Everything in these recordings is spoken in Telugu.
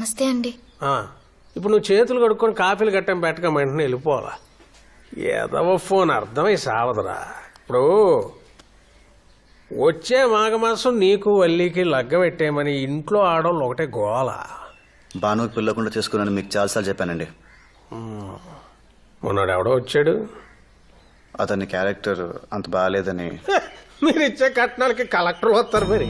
నమస్తే అండి. ఇప్పుడు నువ్వు చేతులు కడుక్కొని కాఫీలు గట్టం పెట్టక వెంటనే వెళ్ళిపోవాలా. ఏదవ ఫోన్ అర్థమై సావదురా. ఇప్పుడు వచ్చే మాఘమాసం నీకు వల్లికి లగ్గ పెట్టేయమని ఇంట్లో ఆడవాళ్ళు ఒకటే గోల. బాను పిల్లకుండా చేసుకున్నాను మీకు చాలాసార్లు చెప్పానండి. మొన్నాడు ఎవడో వచ్చాడు, అతని క్యారెక్టర్ అంత బాగాలేదని. మీరు ఇచ్చే కట్నాలకి కలెక్టర్లు వస్తారు మరి.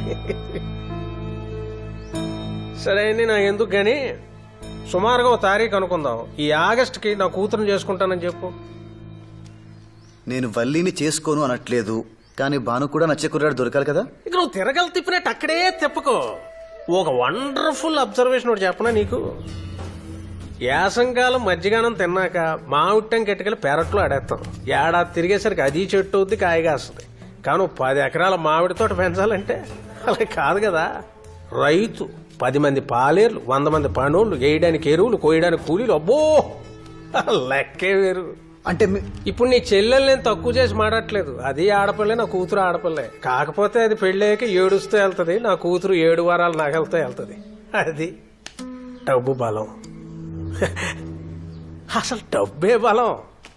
సరే అండి, నాకు ఎందుకు కానీ సుమారుగా ఓ తారీఖు అనుకుందాం. ఈ ఆగస్టుకి నా కూతురుని చేసుకుంటానని చెప్పు. నేను వల్లిని చేసుకోను అనట్లేదు, కానీ బాను కూడా నచ్చే కుర్రాడు దొరకాలి కదా. ఇక నువ్వు తిరగలు తిప్పినట్టు అక్కడే తిప్పకో. ఒక వండర్ఫుల్ అబ్జర్వేషన్ ఒకటి చెప్పనా నీకు. యాసంకాలం మధ్యగానం తిన్నాక మామిట్టం కెట్టుకెళ్ళి పెరట్లో ఆడేస్తాం. ఏడాది తిరిగేసరికి అది చెట్టు అవుద్ది, కాయగాస్తుంది. కానీ 10 ఎకరాల మామిడి తోట పెంచాలంటే అలా కాదు కదా. రైతు 10 మంది పాలేర్లు, 100 మంది పనులు, వేయడానికి ఎరువులు, కోయడానికి కూలీలు, అబ్బో లెక్కే వేరు. అంటే ఇప్పుడు నీ చెల్లెలు నేను తక్కువ చేసి మాడట్లేదు. అది ఆడపిల్లే, నా కూతురు ఆడపిల్లే. కాకపోతే అది పెళ్ళాక ఏడుస్తూ వెళ్తుంది, నా కూతురు 7 వారాలు నగలతో వెళ్తుంది. అది డబ్బు బలం. అసలు డబ్బే బలం.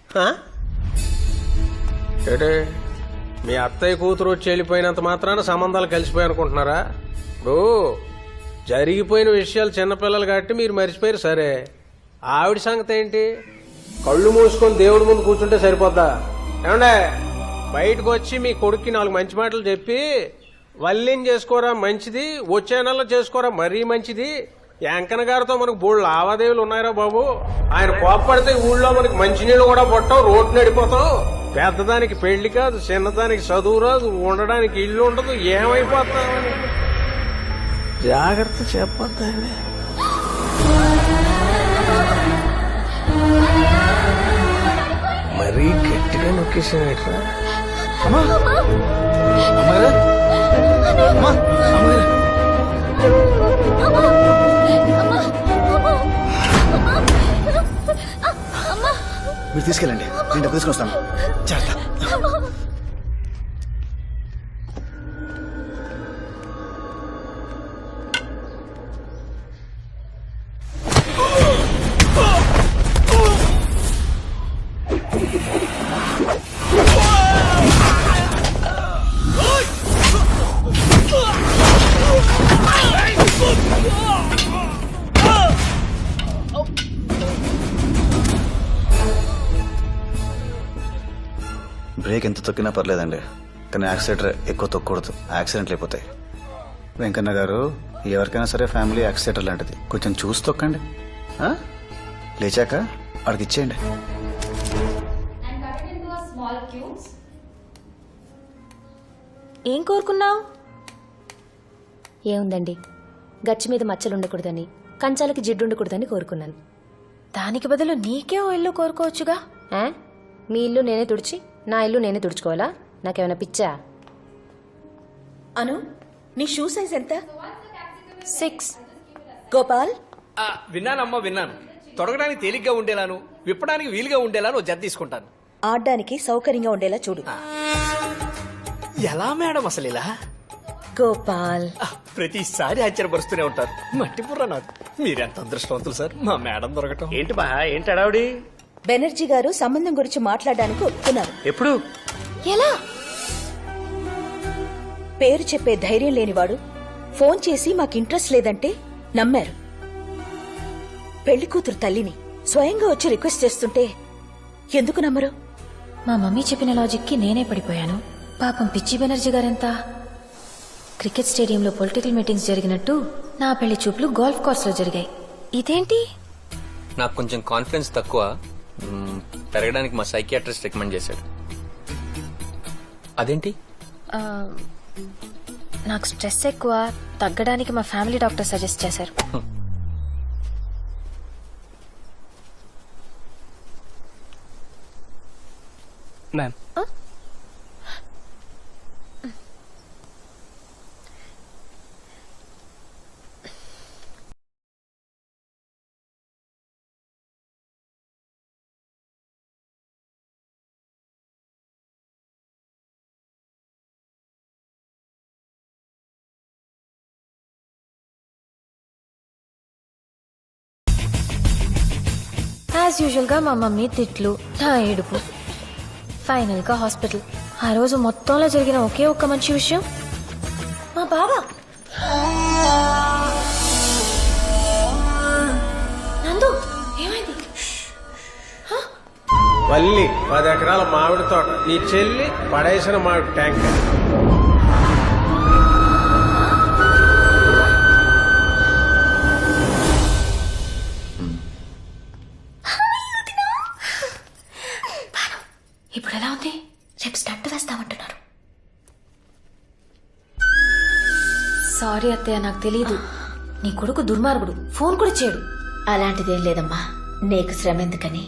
ఏడే మీ అత్తయ్య కూతురు వచ్చి వెళ్ళిపోయినంత మాత్రాన సంబంధాలు కలిసిపోయి అనుకుంటున్నారా? ఇప్పుడు జరిగిపోయిన విషయాలు చిన్నపిల్లలు కాబట్టి మీరు మర్చిపోయారు. సరే, ఆవిడ సంగతి ఏంటి? కళ్ళు మూసుకొని దేవుడి ముందు కూర్చుంటే సరిపోద్దా? ఏమండే, బయటకు వచ్చి మీ కొడుక్కి 4 మంచి మాటలు చెప్పి వల్లిని చేసుకోరా మంచిది, వచ్చే నెలలో చేసుకోరా మరీ మంచిది. వెంకన్న గారితో మనకు 3 లావాదేవీలు ఉన్నాయిరా బాబు. ఆయన కోప్పడితే ఊళ్ళో మనకి మంచినీళ్ళు కూడా పట్టవు, రోడ్డు నడిపోతావు. పెద్దదానికి పెళ్లి కాదు, చిన్నదానికి చదువు రాదు, ఉండడానికి ఇల్లు ఉండదు, ఏమైపోతామని జాగ్రత్త చెప్పొద్దండి. మరీ గట్టిగా నొక్కేసానట్రా. మీరు తీసుకెళ్ళండి, నేను డబ్బు తీసుకుని వస్తాను. జాగ్రత్త. బ్రేక్ ఎంత తొక్కినా పర్లేదండి, కానీ యాక్సిలేటర్ ఎక్కువ తొక్కకూడదు, యాక్సిడెంట్లు అయిపోతాయి. వెంకన్న గారు, ఎవరికైనా సరే ఫ్యామిలీ యాక్సిలేటర్ లాంటిది, కొంచెం చూసి తొక్కండి. లేచాక అడిగి ఇచ్చేయండి. ఏం కోరుకున్నావు? ఏముందండి, గచ్చి మీద మచ్చలు ఉండకూడదని, కంచాలకి జిడ్డు ఉండకూడదని కోరుకున్నాను. దానికి బదులు నీకే ఓ ఇల్లు కోరుకోవచ్చుగా. మీ ఇల్లు నేనే తుడిచి నా ఇల్లు నేనే తుడుచుకోవాలా? నాకేమైనా పిచ్చా? అను, నీ షూ సైజ్ ఎంత? 6. గోపాల్, విన్నానమ్మా, విన్నాను. తొడగడానికి తేలిగ్గా ఉండేలాను, విప్పడానికి వీలుగా ఉండేలాను జత తీసుకుంటాను. ఆడడానికి సౌకర్యంగా ఉండేలా చూడు. ఎలా మేడం అసలు ఇలా? గోపాల్, ప్రతిసారి ఆశ్చర్యపరుస్తూనే ఉంటారు. మట్టి బుర్ర నాకు. మీరెంత అదృష్టవంతులు సార్, మా మేడం దొరకటం. ఏంటి బా, ఏంటి అడావుడి? బెనర్జీ గారు సంబంధం గురించి మాట్లాడడానికి ఒప్పుకున్నారు. ఎప్పుడు? ఎలా? పేరు చెప్పే ధైర్యం లేనివాడు ఫోన్ చేసి మాకు ఇంట్రెస్ట్ లేదంటే నమ్మారు. పెళ్లి కూతురు తల్లిని స్వయంగా వచ్చి రిక్వెస్ట్ చేస్తుంటే ఎందుకు నమ్మరు? మా మమ్మీ చెప్పిన లాజిక్కి నేనే పడిపోయాను. పాపం పిచ్చి బెనర్జీ గారెంత. క్రికెట్ స్టేడియంలో పొలిటికల్ మీటింగ్స్ జరిగినట్టు నా పెళ్లి చూపులు గోల్ఫ్ కోర్స్ లో జరిగాయి. ఇదేంటి? నాకు కొంచెం కాన్ఫిడెన్స్ తక్కువ, పెరగడానికి మా సైకియాట్రిస్ట్ రికమెండ్ చేశాడు. అదేంటి? నాకు స్ట్రెస్ ఎక్కువ, తగ్గడానికి మా ఫ్యామిలీ డాక్టర్ సజెస్ట్ చేశారు. మ్యామ్, యాజ్ యూజువల్ గా మా మమ్మీ తిట్లు, నా ఏడుపు, ఫైనల్ గా హాస్పిటల్. ఆ రోజు మొత్తంలో జరిగిన ఒకే ఒక్క మంచి విషయం, మా బావ నందు ఏమైంది? వల్లి 10 ఎకరాల మామిడి తోట, నీ చెల్లి పడేసిన మామిడి ట్యాంక్. ఇప్పుడు ఎలా ఉంది? రేపు స్టంట్ వేస్తామంటున్నారు. సారీ అత్తయ్య, నాకు తెలియదు. నీ కొడుకు దుర్మార్గుడు, ఫోన్ కూడా చేయడు. అలాంటిదేం లేదమ్మా, నీకు శ్రమ ఎందుకని.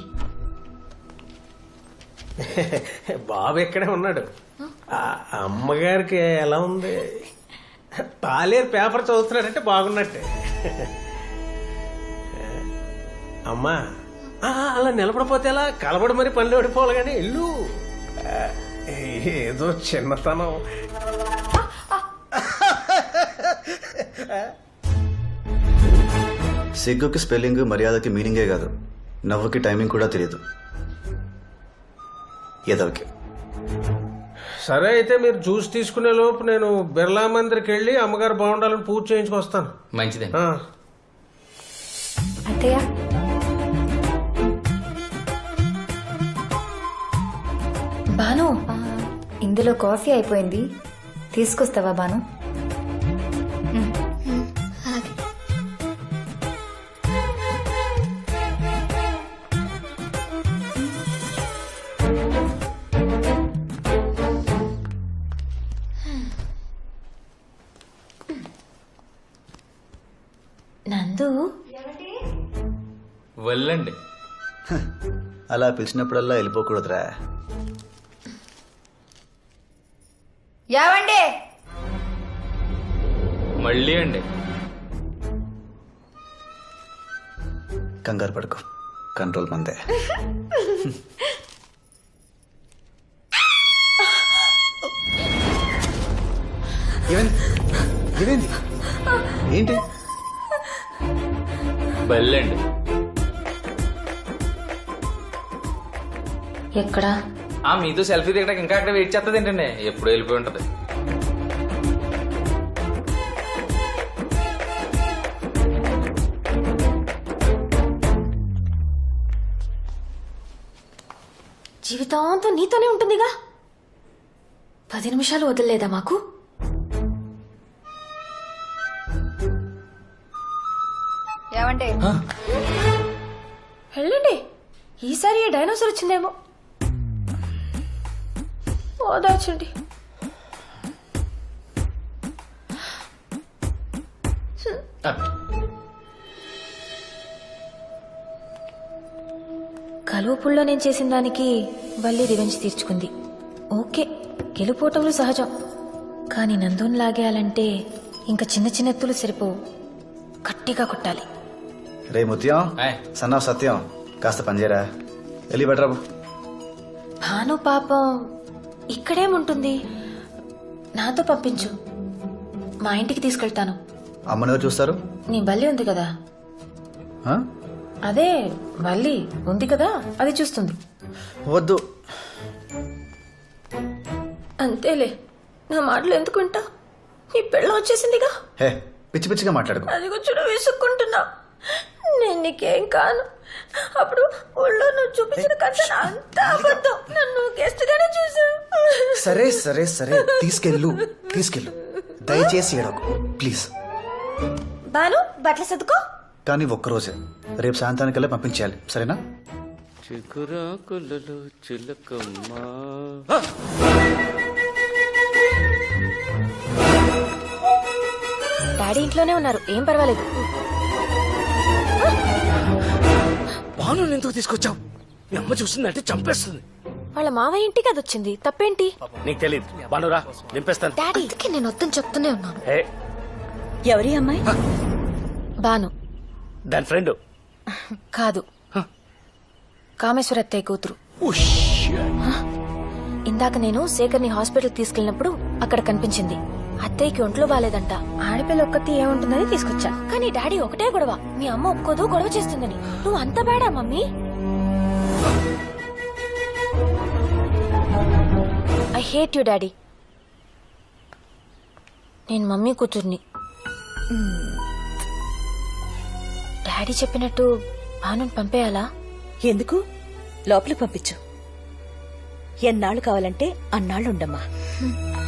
బాబు ఇక్కడే ఉన్నాడు. ఆ అమ్మగారికి ఎలా ఉంది? పాలేరు పేపర్ చదువుతున్నాడంటే బాగున్నట్టే. అమ్మా అలా నిలబడిపోతే ఎలా? కలబడి మరి పనులు ఓడిపోవాలి కానీ ఇల్లు ఏదో చిన్నతనం. సిగ్గుకి స్పెల్లింగ్, మర్యాదకి మీనింగే కాదు, నవ్వుకి టైమింగ్ కూడా తెలియదు ఏదోకి. సరే అయితే మీరు జ్యూస్ తీసుకునే లోపు నేను బిర్లా మందిరికి వెళ్ళి అమ్మగారు బాగుండాలని పూజ చేయించుకొస్తాను. మంచిదే. అత్తయ్య బాను, ఇందులో కాఫీ అయిపోయింది, తీసుకొస్తావా బాను? నందు వెళ్ళండి. అలా పిలిచినప్పుడల్లా వెళ్ళిపోకూడదురా. యావండి మళ్ళీ అండి. కంగారు పడుకో, కంట్రోల్ మందే. ఏమైంది? ఏంటి? వెళ్ళండి. ఎక్కడా? మీతో సెల్ఫీ దిగడానికి ఇంకా అక్కడ వెయిట్ చేస్తుంది ఏంటండి? ఎప్పుడు వెళ్ళిపోయి ఉంటది. జీవితాంతం నీతోనే ఉంటుందిగా. 10 నిమిషాలు వదలలేదా మాకు? యావండి వెళ్ళండి. ఈసారి ఏ డైనోసార్ వచ్చిందేమో. ఓదార్చండి. కలువపుల్లో నేను చేసిన దానికి వల్లి రివెంజ్ తీర్చుకుంది. ఓకే, గెలుపోటములు సహజం. కానీ నందుని లాగేయాలంటే ఇంకా చిన్న చిన్న ఎత్తులు సరిపోవు, గట్టిగా కొట్టాలి. రే ముత్యం, ఆయ్. సన్నాఫ్ సత్యం, కాస్త పనిచేయరా. వెళ్ళి బెటరాబు. భాను పాపం ఇక్కడేముంటుంది, నాతో పంపించు, మా ఇంటికి తీసుకెళ్తాను. అమ్మని ఎవరు చూస్తారు? నీ బల్లి ఉంది కదా, ఆ? అదే బల్లి ఉంది కదా, అది చూస్తుంది. వద్దు. అంతేలే, నా మాటలు ఎందుకు వింటా? నీ పెళ్ళం వచ్చేసిందిగా. హే, పిచ్చి పిచ్చిగా మాట్లాడుకో. అది కూర్చొని విసుక్కుంటున్నా. నేను నీకేం కాను. అప్పుడు ఊళ్ళో నువ్వు చూపించిన కథ అంతా అబద్ధం. నన్ను గెస్ట్ గానే చూసావు. సరే సరే సరే, తీసుకెళ్ళు. దయచేసి ఏడకు ప్లీజ్. బాను, బట్టలు సర్దుకో. కానీ ఒక్కరోజే, రేపు సాయంత్రానికల్లా పంపించేయాలి, సరేనా? డాడీ ఇంట్లోనే ఉన్నారు, ఏం పర్వాలేదు. బాను ఎందుకు తీసుకొచ్చావు? మీ అమ్మ చూస్తుందంటే చంపేస్తుంది. వాళ్ళ మావయ్య ఇంటికి అది వచ్చింది, తప్పేంటి? నీకు తెలియదు. బానురా, నింపేస్తాను. డాడీకి నేను వద్దని చెప్తూనే ఉన్నాను. హే, ఎవరి అమ్మాయి? బాను దాని ఫ్రెండ్. కాదు, కామేశ్వర అత్తయ్య కూతురు. ఇందాక నేను శేఖర్ని హాస్పిటల్ తీసుకెళ్ళినప్పుడు అక్కడ కనిపించింది. అత్తయ్యకి ఒంట్లో బాలేదంట, ఆడపిల్ల ఒక్కతి ఏముంటుందని తీసుకొచ్చా. కానీ డాడీ ఒకటే గొడవ, మీ అమ్మ ఒప్పుకోదు, గొడవ చేస్తుందని. నువ్వు అంత బేడా mummy? I hate you daddy. నేను మమ్మీ కూతుర్ని. డాడీ చెప్పినట్టు భానుని పంపేయాలా? ఎందుకు? లోపలికి పంపించు. ఎన్నాళ్ళు కావాలంటే అన్నాళ్ళు ఉండమ్మా.